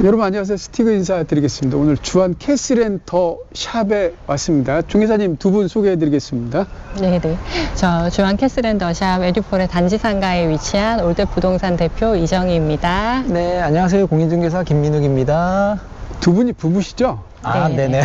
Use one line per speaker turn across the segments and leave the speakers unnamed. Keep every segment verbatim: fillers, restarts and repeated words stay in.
여러분 안녕하세요. 스티그 인사드리겠습니다. 오늘 주한 캐슬앤더 샵에 왔습니다. 중개사님 두 분 소개해드리겠습니다.
네네. 저 주한 캐슬앤더 샵 에듀폴의 단지 상가에 위치한 올드 부동산 대표 이정희입니다.
네, 안녕하세요. 공인중개사 김민욱입니다.
두 분이 부부시죠?
아,
네.
네네.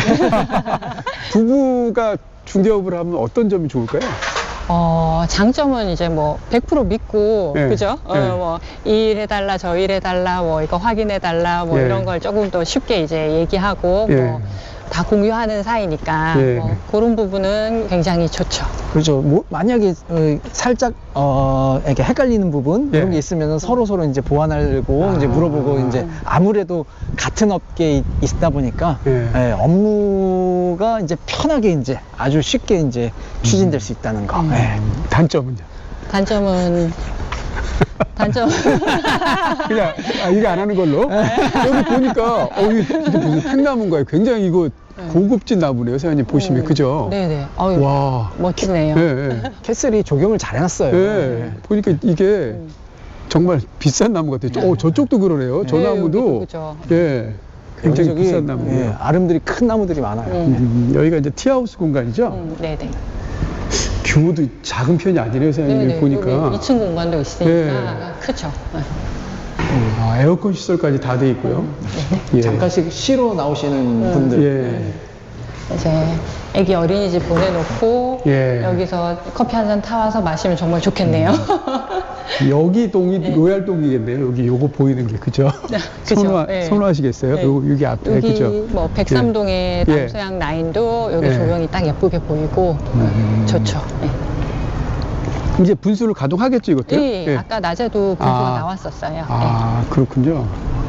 부부가 중개업을 하면 어떤 점이 좋을까요?
어, 장점은 이제 뭐 백 퍼센트 믿고,
네.
그죠? 어,
네.
뭐, 이 일 해달라, 저 일 해달라, 뭐, 이거 확인해달라, 뭐,
예.
이런 걸 조금 더 쉽게 이제 얘기하고,
예.
뭐, 다 공유하는 사이니까,
예.
뭐, 그런 부분은 굉장히 좋죠.
그렇죠. 뭐, 만약에 어, 살짝 어, 이렇게 헷갈리는 부분
예.
이런 게 있으면 서로 서로 이제 보완하려고
아.
이제 물어보고 이제 아무래도 같은 업계에 있- 있다 보니까
예.
예, 업무가 이제 편하게 이제 아주 쉽게 이제 추진될 수 있다는 거.
음.
예.
단점은요?
단점은, 단점.
그냥 아, 얘기 안 하는 걸로. 여기 보니까 어, 이게 진짜 무슨 팽나무인가요? 굉장히 이거 고급진 나무네요, 사장님 보시면. 그죠?
네네. 어유
와.
멋지네요.
예, 예.
캐슬이 조경을 잘 해놨어요.
예. 보니까 이게 정말 비싼 나무 같아요. 어, 저쪽도 그러네요. 저
네,
나무도.
여기도 그죠.
예. 굉장히
여기저기,
비싼 나무예요.
예, 아름들이 큰 나무들이 많아요.
음.
음, 여기가 이제 티하우스 공간이죠?
음, 네네.
규모도 작은 편이 아니네요, 사장님.
네네.
보니까.
여기 이 층 공간도 있으니까
네.
크죠. 네.
아, 에어컨 시설까지 다 돼 있고요. 예.
잠깐씩 쉬러 나오시는 분들.
예.
이제 애기 어린이집 보내놓고
예.
여기서 커피 한 잔 타와서 마시면 정말 좋겠네요.
여기 동이 로얄동이겠네요. 여기 요거 보이는 게 그죠?
그죠.
선호,
네.
선호하시겠어요?
네.
요, 여기 앞에
여기
그죠?
뭐 백삼동의
예.
남서양 라인도 여기
예.
조명이 딱 예쁘게 보이고
음.
좋죠. 네.
이제 분수를 가동하겠죠, 이것도?
예, 아까 낮에도 분수가
아.
나왔었어요.
아, 그렇군요.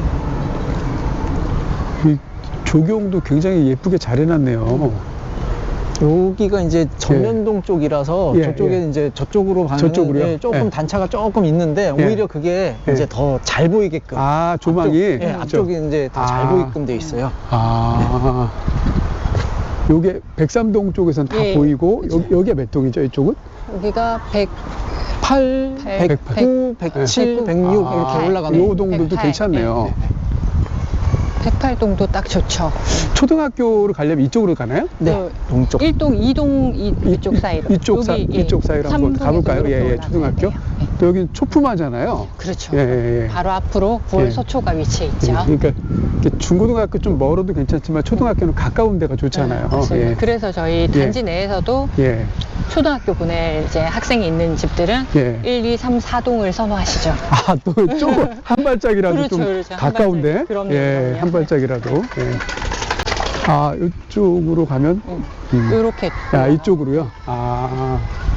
이 조경도 굉장히 예쁘게 잘 해놨네요.
여기가 이제 전면동 쪽이라서
예,
저쪽에
예.
이제 저쪽으로 가면
저쪽으로요?
조금
예.
단차가 조금 있는데
예.
오히려 그게
예.
이제 더 잘 보이게끔
아, 조망이?
앞쪽, 예, 앞쪽이 이제 더 잘
아.
보이게끔 돼 있어요.
아. 요게 백삼동 쪽에선 다
예,
보이고, 여, 여기가 몇 동이죠, 이쪽은?
여기가 백,
팔,
백,
백구, 백칠, 백육
아,
이렇게 올라가는
요 동들도
백팔.
괜찮네요.
백팔동도 딱 좋죠.
초등학교를 가려면 이쪽으로 가나요?
네,
그
동쪽.
일 동, 이 동 이, 이쪽 사이로.
이쪽, 사,
여기, 예,
이쪽 사이로 한번
삼동에서
가볼까요?
이렇게
예, 예,
올라가야
초등학교.
돼요. 예.
또 여기는 초품화잖아요.
그렇죠.
예, 예, 예.
바로 앞으로 구월
예.
서초가 위치해 있죠.
예, 그러니까 이렇게 중고등학교 좀 멀어도 괜찮지만 초등학교는 가까운 데가 좋잖아요.
네, 맞습니다.
예.
그래서 저희 단지 내에서도
예.
초등학교 보낼 이제 학생이 있는 집들은
예.
일, 이, 삼, 사동을 선호하시죠.
아, 또 조금 한 발짝이라도
그렇죠,
좀
그렇죠. 한
가까운데.
발짝. 그럼요,
예,
그럼요.
한 발짝이라도. 예. 아, 이쪽으로 가면
음.
음.
이렇게.
야, 이쪽으로요. 아.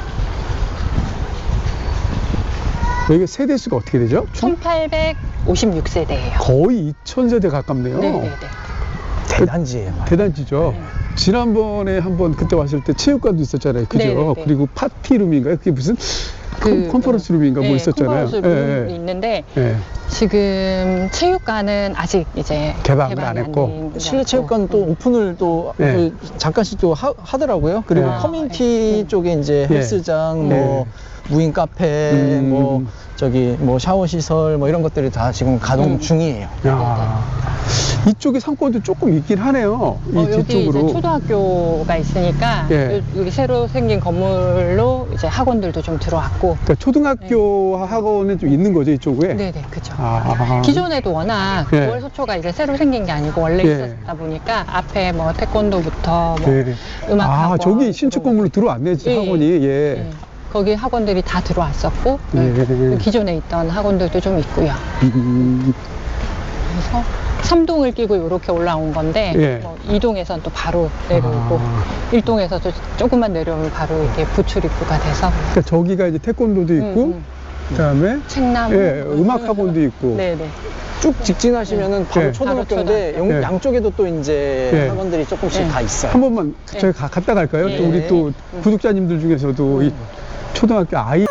여기가 세대 수가 어떻게 되죠? 총
천팔백오십육 세대예요.
거의 이천 세대 가깝네요.
네네네.
대단지예요.
대단지죠.
네.
지난번에 한번 그때 왔을 때 체육관도 있었잖아요. 그죠?
네네네.
그리고 파티룸인가요? 그게 무슨 컨- 컨퍼런스 룸인가 뭐
네,
있었잖아요.
컨퍼런스 룸이
예,
있는데
예, 예.
지금 체육관은 아직 이제
개방을
개방이
안 했고.
된
실내 체육관 또 오픈을 또
네.
그 잠깐씩 또 하, 하더라고요. 그리고
네.
커뮤니티
네.
쪽에 이제
네.
헬스장,
네.
뭐 무인 카페,
음.
뭐 저기 뭐 샤워 시설 뭐 이런 것들이 다 지금 가동
음.
중이에요.
야, 이쪽에 상권도 조금 있긴 하네요. 이
어, 여기 이제
뒤쪽으로.
초등학교가 있으니까
예.
여- 여기 새로 생긴 건물로 이제 학원들도 좀 들어왔고.
그러니까 초등학교 학원에 좀 있는 거죠, 이쪽에?
네네, 그죠.
아.
기존에도 워낙
예.
구월 소초가 이제 새로 생긴 게 아니고 원래
예.
있었다 보니까 앞에 뭐 태권도부터 뭐
네.
음악
아,
학원
저기 신축
들어오고.
건물로 들어왔네,
예,
학원이. 예.
예. 거기 학원들이 다 들어왔었고
예.
기존에 있던 학원들도 좀 있고요.
음,
그래서 삼동을 끼고 이렇게 올라온 건데
예.
뭐 이동에선 또 바로 내려오고
아.
일동에서도 조금만 내려오면 바로 이렇게 부출 입구가 돼서
그러니까 저기가 이제 태권도도 있고,
음, 음.
그다음에
책나무
예, 음악 학원도 있고.
네네.
쭉 직진하시면은 바로
네.
초등학교인데
바로
양-
네.
양쪽에도 또 이제
네.
학원들이 조금씩
네.
다 있어요.
한 번만 저희 가, 갔다 갈까요?
예.
또 우리 또
음.
구독자님들 중에서도 이 초등학교 아이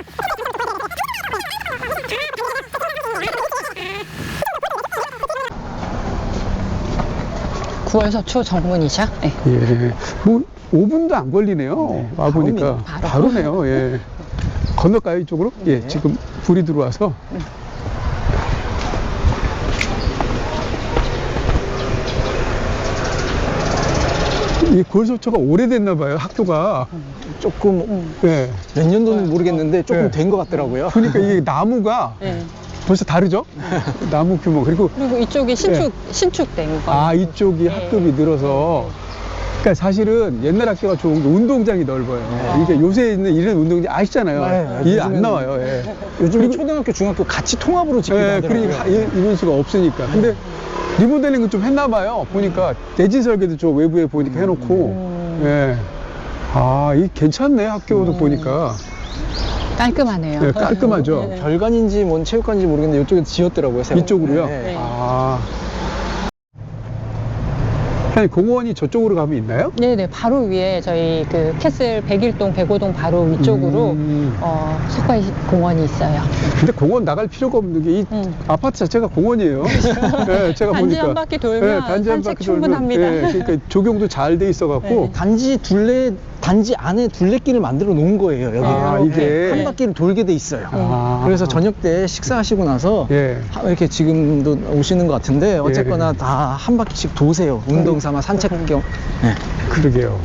구월 서초 정문이죠. 네.
예, 뭐 오 분도 안 걸리네요.
네,
와 보니까
바로입니다.
바로. 네요 예. 건널까요 이쪽으로? 예,
네.
지금 불이 들어와서. 이 골소초가 오래됐나 봐요, 학교가.
조금
음.
네.
몇 년도는 모르겠는데 조금
네.
된 것 같더라고요.
그러니까 이게 나무가
네.
벌써 다르죠? 나무 규모. 그리고
그리고 이쪽이 신축 신축된 거.
아, 이쪽이
네.
학급이 늘어서. 그러니까 사실은 옛날 학교가 좋은 게 운동장이 넓어요.
네.
이게 요새 있는 이런 운동장 아시잖아요.
네,
이게 안
요즘에는-
나와요. 예.
요즘에 초등학교, 중학교 같이 통합으로 짓기도
예,
하더라고요.
그러니까 이- 이런 수가 없으니까. 근데 리모델링은 좀 했나 봐요. 보니까 대지 설계도 저 외부에 보니까 해놓고.
음.
예. 아, 이 괜찮네, 학교도 보니까.
깔끔하네요.
네, 깔끔하죠.
네.
별관인지 뭔 체육관인지 모르겠는데 이쪽에 지었더라고요. 새로.
이쪽으로요?
네.
네.
아. 아니, 공원이 저쪽으로 가면 있나요?
네네, 바로 위에 저희 그 캐슬 백일동, 백오동 바로 위쪽으로
음.
어, 석화 공원이 있어요.
근데 공원 나갈 필요가 없는 게 이
음.
아파트 자체가 공원이에요. 네, 제가
단지
보니까.
한 바퀴 돌면
단지 한
산책
바퀴 돌면,
충분합니다.
예, 그러니까 조경도 잘 돼 있어갖고.
네.
단지 둘레 단지 안에 둘레길을 만들어 놓은 거예요. 여기
아, 이게.
한 바퀴를 돌게 돼 있어요.
아.
그래서 저녁 때 식사하시고 나서
예.
하- 이렇게 지금도 오시는 것 같은데 어쨌거나
예.
다 한 바퀴씩 도세요. 운동 삼아 산책 겸. 네.
그러게요.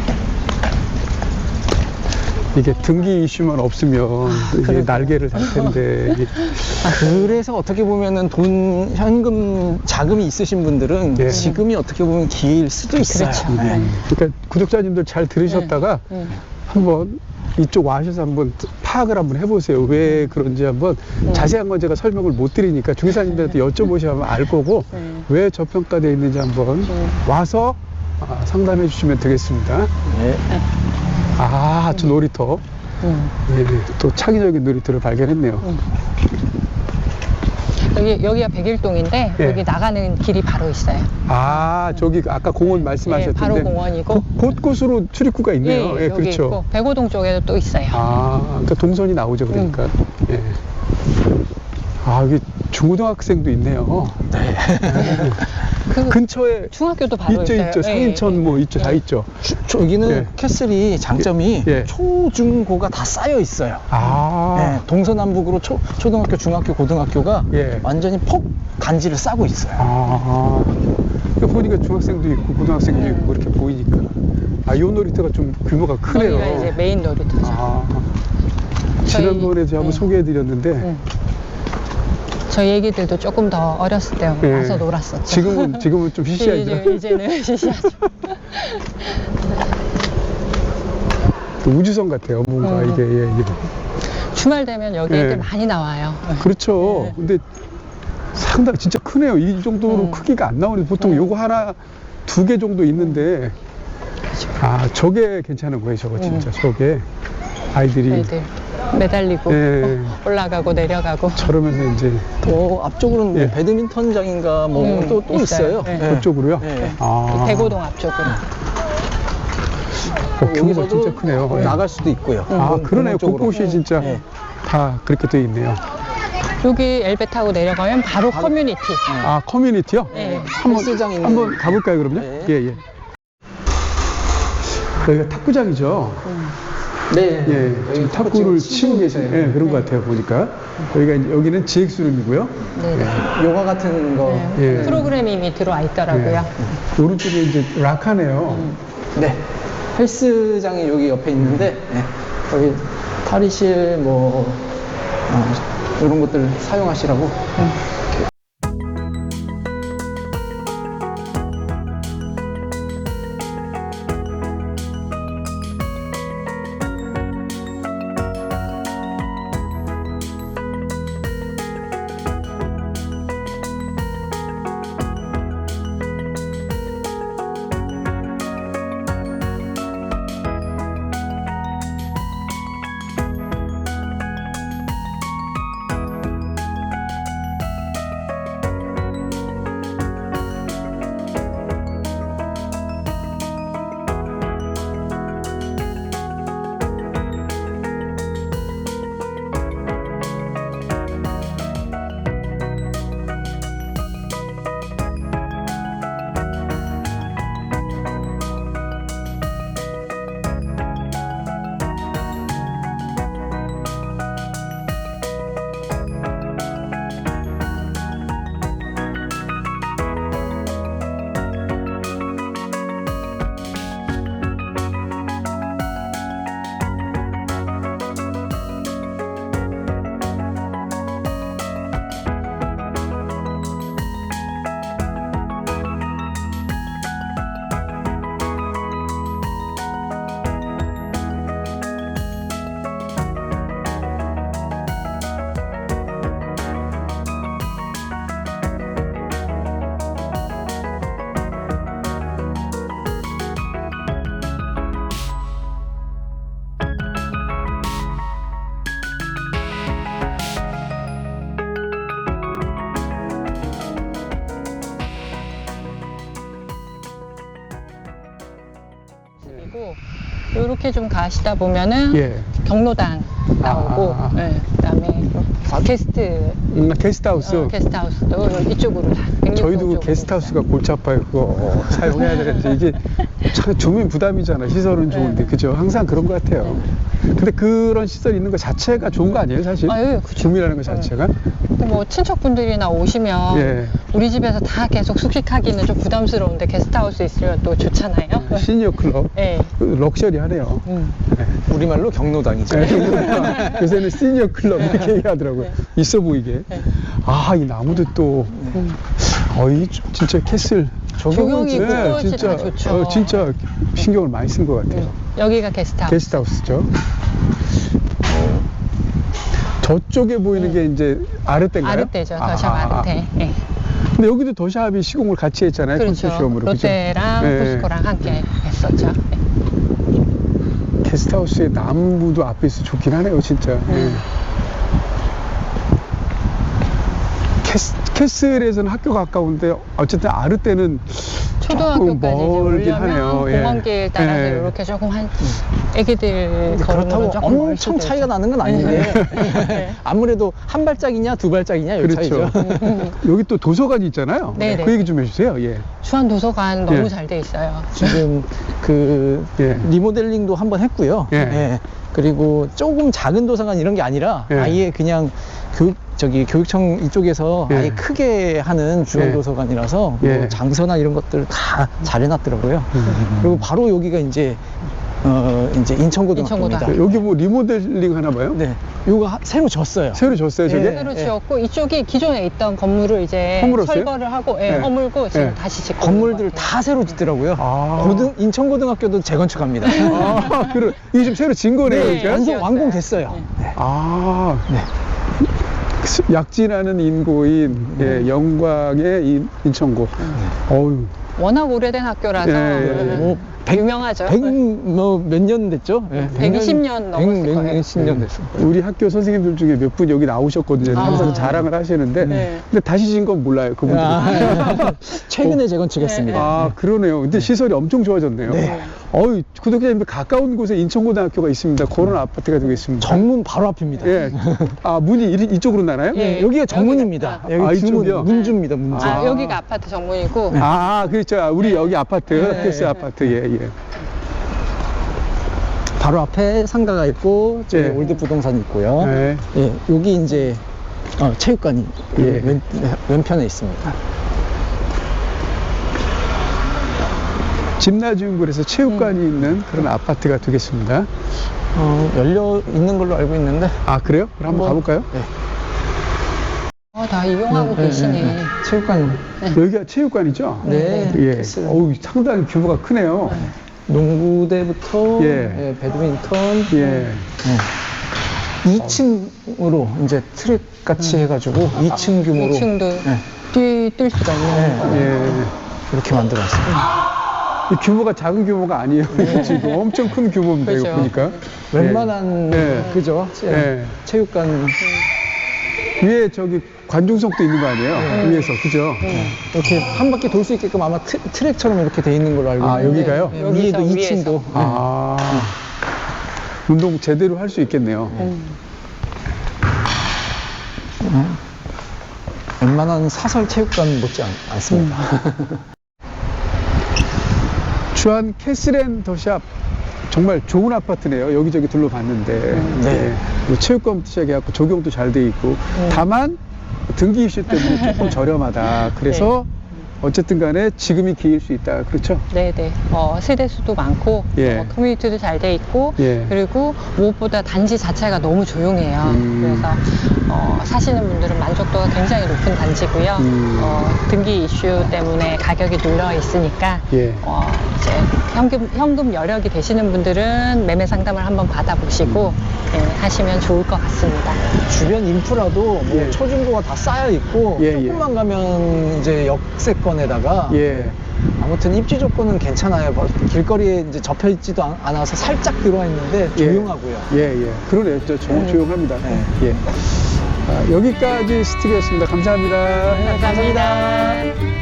이게 등기 이슈만 없으면 이게
그러게요.
날개를 달 텐데. 이게
그래서 어떻게 보면은 돈 현금 자금이 있으신 분들은
예.
지금이 어떻게 보면 기회일 수도 있어요.
그렇죠.
네.
그러니까 구독자님들 잘 들으셨다가
네.
한번 이쪽 와셔서 한번 파악을 한번 해보세요. 왜 그런지 한번
네.
자세한 건 제가 설명을 못 드리니까 중개사님들한테 여쭤보시면 알 거고
네.
왜 저평가되어 있는지 한번
네.
와서 아, 상담해 주시면 되겠습니다.
네.
아, 저 놀이터.
음.
예, 또 창의적인 놀이터를 발견했네요.
여기, 여기가 백일동인데
예.
여기 나가는 길이 바로 있어요.
아, 저기 아까 공원
예,
말씀하셨던데
바로 공원이고.
곳- 곳곳으로 출입구가 있네요. 예,
여기
그렇죠.
있고 백오동 쪽에도 또 있어요.
아, 그러니까 동선이 나오죠, 그러니까.
음.
예. 아, 여기 중고등학생도 있네요.
네.
그
근처에
중학교도 바로
있죠,
있어요.
있죠.
예,
상인천
예.
뭐 있죠, 다
예.
있죠.
저기는
예.
캐슬이 장점이
예.
초, 중, 고가 다 쌓여 있어요.
아,
네, 동서남북으로 초, 초등학교, 중학교, 고등학교가
예.
완전히 폭 단지를 싸고 있어요.
아. 그러니까 보니까 중학생도 있고 고등학생도
음.
있고 이렇게 보이니까. 아, 이 놀이터가 좀 규모가 크네요.
여기가 이제 메인 놀이터죠.
아.
저희-
지난번에 제가 한번
네.
소개해드렸는데
음. 저희 애기들도 조금 더 어렸을 때
예.
와서 놀았었죠.
지금은 지금은 좀 시시하죠.
이제, 이제는 시시하죠.
또 우주선 같아요. 뭔가
음.
이게 예, 예.
주말 되면 여기
예.
애들 많이 나와요.
그렇죠.
네.
근데 상당히 진짜 크네요. 이 정도로
음.
크기가 안 나오는데 보통
음.
요거 하나 두 개 정도 있는데 아 저게 괜찮은 거예요. 저거 진짜 저게 아이들이
애들 매달리고
예.
올라가고 내려가고.
저러면서 이제
또 앞쪽으로는 뭐
예.
배드민턴장인가 뭐
음,
또 또
있어요.
있어요.
예.
예.
그쪽으로요.
예.
아
백오동 앞쪽으로.
어, 규모가
여기서도
진짜 크네요. 예.
나갈 수도 있고요.
아
공원
그러네요.
쪽으로.
곳곳이 진짜
예.
다 그렇게 돼 있네요.
여기 엘베 타고 내려가면 바로 커뮤니티.
아 커뮤니티요?
예.
한번
헬스장 있는-
한번 가볼까요 그럼요?
네.
예 예. 여기가 탁구장이죠.
네.
예, 지금 탁구를 치고 계세요. 예, 그런
네.
것 같아요 보니까. 여기가 이제 여기는 지엑스룸이고요.
네.
요가 같은 거.
네.
예.
프로그램이 이미 들어와 있더라고요.
예. 오른쪽에 이제 락하네요.
네. 헬스장이 여기 옆에 있는데 예. 거기 탈의실 뭐 어, 이런 것들 사용하시라고.
아니고 이렇게 좀 가시다 보면은
예.
경로당 나오고,
아.
예, 그다음에 게스트
음, 게스트하우스.
어, 게스트하우스도 이쪽으로 다. 백육동
저희도 그
쪽으로.
게스트하우스가 골치 아파요. 그거 사용해야 되는데 이게 참 주민 부담이잖아. 시설은 좋은데
네.
그죠? 항상 그런 것 같아요. 근데 그런 시설 있는 것 자체가 좋은 거 아니에요, 사실?
아, 예, 그쵸.
주민이라는 것 자체가.
근데 뭐 친척분들이나 오시면
예.
우리 집에서 다 계속 숙식하기는 좀 부담스러운데 게스트하우스 있으면 또 좋잖아요.
시니어 클럽.
예.
그 럭셔리하네요.
음.
우리말로 경로당이죠.
네, 그러니까 요새는 시니어 클럽 이렇게 얘기하더라고요. 있어 보이게.
네.
아, 이 나무도 또, 어이, 진짜 캐슬.
조경이
네,
꽃이
진짜,
다 좋죠.
어, 진짜 신경을 많이 쓴 것 같아요.
음. 여기가 게스트하우스.
게스트하우스죠. 저쪽에 보이는 게 이제 아르떼인가요?
아르떼죠. 더샵 아르떼. 예.
근데 여기도 더샵이 시공을 같이 했잖아요.
그렇죠.
컨소시엄으로. 그죠?
롯데랑
네.
포스코랑 함께 했었죠. 예.
게스트하우스의 나무도 앞에 있어 좋긴 하네요, 진짜. 예. 캐스, 캐슬에서는 학교가 가까운데 어쨌든 아르떼는 조금
초등학교까지 이제
멀긴
오려면
하네요. 예.
공원길 따라서
예.
이렇게 조금 한 애기들
그렇다고
걸으면 조금 멀
엄청
수도
차이가
있죠.
나는 건 아닌데
네.
아무래도 한 발짝이냐 두 발짝이냐 이
그렇죠.
차이죠.
여기 또 도서관이 있잖아요.
네네.
그 얘기 좀 해주세요. 예.
주한 도서관 너무
예.
잘 돼 있어요.
지금 그
예.
리모델링도 한번 했고요.
예.
그리고 조금 작은 도서관 이런 게 아니라
예.
아예 그냥 교육 저기 교육청 이쪽에서
예.
아예 크게 하는 주요
예.
도서관이라서
예.
뭐 장소나 이런 것들 다 잘 해놨더라고요.
음.
그리고 바로 여기가 이제 어 이제 인천고등학교입니다.
인천고등학교.
여기 뭐 리모델링 하나 봐요?
네, 요거 하- 새로 졌어요.
새로 줬어요, 저게?
예.
새로 지었고 이쪽이 기존에 있던 건물을 이제
허물었어요?
철거를 하고 예,
예.
허물고 지금
예.
다시 짓고
건물들
있는 것 같아요.
다 새로 짓더라고요.
아.
고등 인천고등학교도 재건축합니다.
아, 그래. 이게 좀 새로 진 거네요,
네.
그러니까?
완성
지었어요.
완공됐어요.
네.
아,
네.
약진하는 인고인 예, 영광의 인, 인천고. 어유.
워낙 오래된 학교라서
예, 예, 예.
뭐
유명하죠.
백뭐몇 년 됐죠? 예,
백이십 년 넘었을 거예요.
백이십 년 됐어요.
우리 학교 선생님들 중에 몇 분 여기 나오셨거든요.
아.
항상 자랑을 하시는데.
네.
근데 다시 진 건 몰라요, 그분들. 아,
아, 최근에 재건축했습니다.
아, 그러네요. 근데 시설이 엄청 좋아졌네요.
네.
어유, 구독자님들 가까운 곳에 인천고등학교가 있습니다. 그런 아파트가 되겠습니다.
정문 바로 앞입니다.
예. 아, 문이 이, 이쪽으로 나나요?
예.
여기가 정문입니다.
여기가-
여기
아,
주문,
이쪽이요?
문주입니다, 문주.
아,
아.
여기가 아파트 정문이고
아, 그렇죠. 우리 여기 아파트,
네.
패스 아파트, 예, 예.
바로 앞에 상가가 있고, 저기
예.
올드 부동산이 있고요.
네.
예, 여기 이제 어, 체육관이
예.
왼, 왼편에 있습니다.
집나주인구에서 체육관이 있는 그런 아파트가 되겠습니다.
어, 열려 있는 걸로 알고 있는데.
아, 그래요? 그럼 한번 가볼까요?
네.
어, 다 이용하고
네,
계시네.
네, 네. 체육관.
여기가 체육관이죠?
네.
예.
됐어요.
어우, 상당히 규모가 크네요.
농구대부터
예.
예, 배드민턴.
예.
네. 이 층으로 이제 트랙 같이 해가지고 이 층 규모로
이 층도
네.
뛰뛸 수가 있는
네.
거.
예.
이렇게 만들었어요.
이 규모가 작은 규모가 아니에요. 지금 엄청 큰 규모입니다, 이거
그죠.
보니까.
웬만한
예.
그죠? 체-
예.
체육관
위에 저기 관중석도 있는 거 아니에요? 위에서, 그죠?
이렇게 한 바퀴 돌 수 있게끔 아마 트, 트랙처럼 이렇게 돼 있는 걸로 알고
아,
있는데
여기가요?
예,
여기서
위에도 이
위에서.
층도
아. 운동 제대로 할 수 있겠네요.
음.
웬만한 사설 체육관 못지 않, 않습니다.
주한 캐슬앤 더샵 정말 좋은 아파트네요. 여기저기 둘러봤는데
네.
예. 뭐 체육관부터 시작해갖고 조경도 잘 돼 있고 다만 등기 입시 때문에 조금 저렴하다. 그래서 어쨌든 간에 지금이 기회일 수 있다. 그렇죠?
네네. 어, 세대 수도 많고,
예.
어, 커뮤니티도 잘 돼 있고,
예.
그리고 무엇보다 단지 자체가 너무 조용해요.
음.
그래서 어, 사시는 분들은 만족도가 굉장히 높은 단지고요.
음.
어, 등기 이슈 때문에 가격이 눌러 있으니까
예.
어, 이제 현금 현금 여력이 되시는 분들은 매매 상담을 한번 받아보시고 예, 하시면 좋을 것 같습니다.
주변 인프라도 뭐
예.
초중고가 다 쌓여 있고
예, 예.
조금만 가면 이제 역세권에다가
예.
아무튼 입지 조건은 괜찮아요. 뭐 길거리에 이제 접혀 있지도 않- 않아서 살짝 들어와 있는데
예.
조용하고요.
예, 예. 그러네요. 저 조, 조용합니다.
네.
예. 아, 여기까지 스틸이었습니다. 감사합니다.
감사합니다.